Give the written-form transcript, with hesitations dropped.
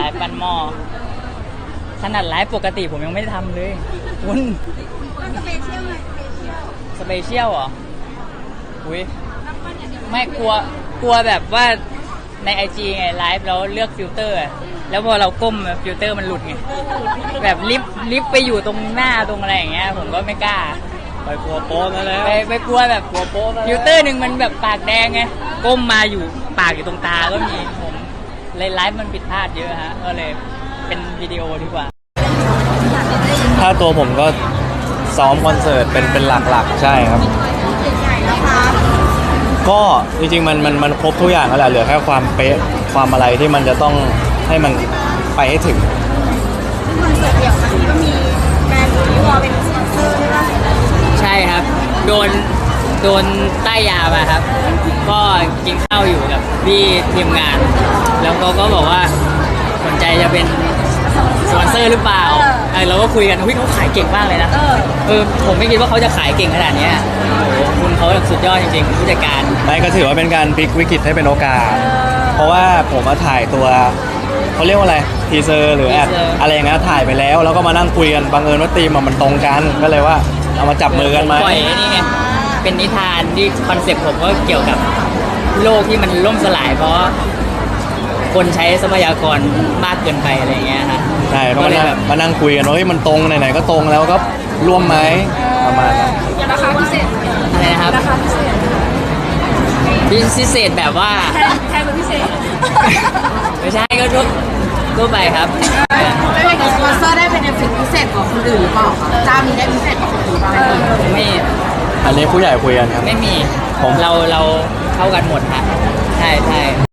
ฟ์ปั้นหม้อขนาดไลฟ์ปกติผมยังไม่ทำเลยคุณสเปเชียลไงสเปเชียลเหรออุ้ยไม่กลัวแบบว่าใน IG ไงไลฟ์แล้วเลือกฟิลเตอร์แล้วพอเราก้มฟิลเตอร์มันหลุดไงแบบลิฟไปอยู่ตรงหน้าตรงอะไรอย่างเงี้ยผมก็ไม่กล้าไปกลัวโป๊นั่นแล้วไปกลัวแบบกลัวโป๊ฟิลเตอร์หนึ่งมันแบบปากแดงไงก้มมาอยู่ปากอยู่ตรงตาก็มีผมเลยไลฟ์มันผิดพลาดเยอะฮะก็เลยเป็นวิดีโอดีกว่าถ้าตัวผมก็ซ้อมคอนเสิร์ตเป็นหลักๆใช่ครับก็จริงๆมันครบทุกอย่างแล้วแหละเหลือแค่ความเป๊ะความอะไรที่มันจะต้องให้มันไปให้ถึงคอนเสิร์ตเดี่ยวครั้งนี้ก็มีแบรนด์ยูวอเป็นสปอนเซอร์ด้วยป่ะใช่ครับโดนใต้ยามาครับก็กินข้าวอยู่กับพี่ทีมงานแล้วเขาก็บอกว่าสนใจจะเป็นสปอนเซอร์หรือเปล่าเราก็คุยกันเขาขายเก่งมากเลยนะผมไม่คิดว่าเขาจะขายเก่งขนาดนี้โอ้โหคุณเขาสุดยอดจริงๆผู้จัดการไม่ก็ถือว่าเป็นการพลิกวิกฤตให้เป็นโอกาสเพราะว่าผมมาถ่ายตัวเขาเรียกว่าอะไรทีเซอร์หรือแอดอะไรอย่างเงี้ยถ่ายไปแล้วแล้วก็มานั่งคุยกันบังเอิญว่าธีมมันตรงกันก็เลยว่าเอามาจับมือกันไหมปล่อยนี่ไงเป็นนิทานที่คอนเซ็ปต์ผมก็เกี่ยวกับโลกที่มันล่มสลายเพราะคนใช้ทรัพยากรมากเกินไปอะไรอย่างเงี้ยฮะใช่ก็เลยแบบมานั่งคุยกันว่าเฮ้ยมันตรงไหนๆก็ตรงแล้วก็ร่วมไหมประมาณนั้นราคาพิเศษอะไรนะครับราคาพิเศษพิเศษแบบว่าแพงกว่าพิเศษไม่ใช่ก็ทั่วไปครับไม่เป็นสปอนเซอร์ได้เป็นเอฟเฟกต์พิเศษกว่าคนอื่นหรือเปล่าเจ้านี้ได้พิเศษกว่าคนอื่นบ้างไหมไม่อันนี้ผู้ใหญ่คุยกันครับไม่มีเราเข้ากันหมดฮะใช่